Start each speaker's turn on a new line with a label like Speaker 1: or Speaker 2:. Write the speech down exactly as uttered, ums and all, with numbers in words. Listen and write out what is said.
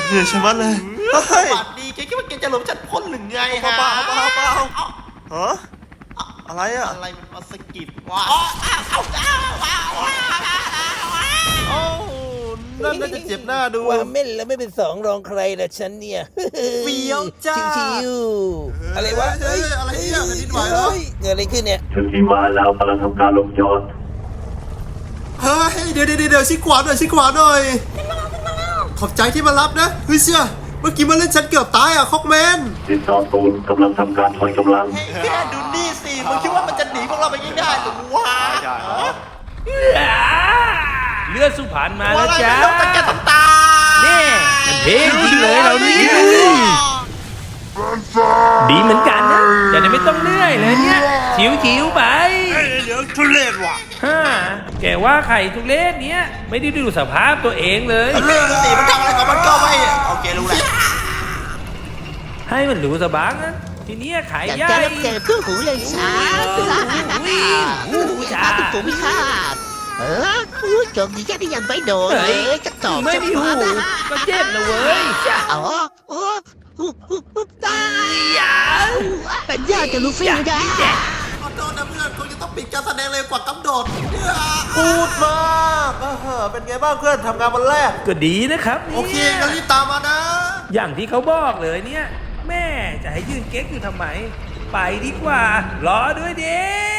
Speaker 1: เหนื่อยชะมัดเลยเฮ้ย
Speaker 2: บาดดีแกคิดว่าแกจะหลบฉันพ้นหรือไงฮะ
Speaker 1: เปล่าเปล่าเปล่าฮะอะไรอ่ะ
Speaker 2: อะไรมันมาสะกิดวะ
Speaker 1: โอ้นั่นน่าจะเจ็บหน้าดู
Speaker 3: ว่าเม่นแล้วไม่เป็นสองรองใครละฉันเนี่ย
Speaker 1: เฟี้ยวจ้า
Speaker 3: ชิวๆอะไรวะ
Speaker 1: เฮ้ยอะไรเนี่ยแผ่นดินไหวเหรอ
Speaker 3: เฮ้ยเกิดอะไรขึ้นเนี่ย
Speaker 4: ถึงที่มาแล้วกำลังทำการลงจอด
Speaker 1: เฮ้ยเดี๋ยวเดี๋ยวเดี๋ยวชิขวาหน่อยชิขวาหน่อยขอบใจที่มารับนะเฮ้ยเชี่ยเมื่อกี้มาเล่นฉันเกือบตายอ่ะคอกแมน
Speaker 4: ติดต่อศูนย์กำลังทำการถอยกำลัง
Speaker 2: แค่ดูนี่สิมึงคิดว่ามันจะหนีพวกเราไปง่ายๆหรือวะ
Speaker 5: เลือดสุพรรณมา
Speaker 2: ว่า
Speaker 5: แล้ว
Speaker 2: อะไร
Speaker 5: จ้า
Speaker 2: ไม่รู้แต่แกทำตา
Speaker 5: นี่มันเท่จริงเลยเรานี่ดีเหมือนกันนะแต่ไม่ต้องเหนื่อยเลยเนี่ยชิวๆไป
Speaker 1: เดี๋ยวทุเรศว่ะ
Speaker 5: ฮ่าแกว่าไข่ทุเรศเนี้ยไม่ได้ดูสภาพตัวเองเลย
Speaker 2: เรื่องสิมันทำอะไรกับมันก็ไม่โอเครู้แล้ว
Speaker 5: ให้มันรู้สบางนะทีเนี้ยขาย
Speaker 6: อยาก
Speaker 5: ย่า
Speaker 6: จะ
Speaker 5: ย
Speaker 6: รับเจอคู่หูเลยสาสาตุกมิคาดเออโจมดีแค่ที่ยังไม่โดนเลยจะตอบ
Speaker 5: ไม่
Speaker 6: จะ
Speaker 5: มี
Speaker 6: พ
Speaker 5: หู
Speaker 6: อนะ
Speaker 5: ก็เจ็บนะเว้ย
Speaker 6: อ๋อโอ้ตายเป็นญาติกับลูฟี่นะ
Speaker 2: ขอโทษนะเพื่อนคงจะต้องปิดการแสดงเร็วกว่ากำหนด
Speaker 1: พูดมากเออเป็นไงบ้างเพื่อนทำงานวันแรก
Speaker 5: ก็ดีนะครับนี่ย
Speaker 1: โอเคงั้นรีบตามมานะ
Speaker 5: อย่างที่เขาบอกเลยเนี่ย แม่จะให้ยืนเก๊กอยู่ทำไม ไปดีกว่า รอด้วยเด้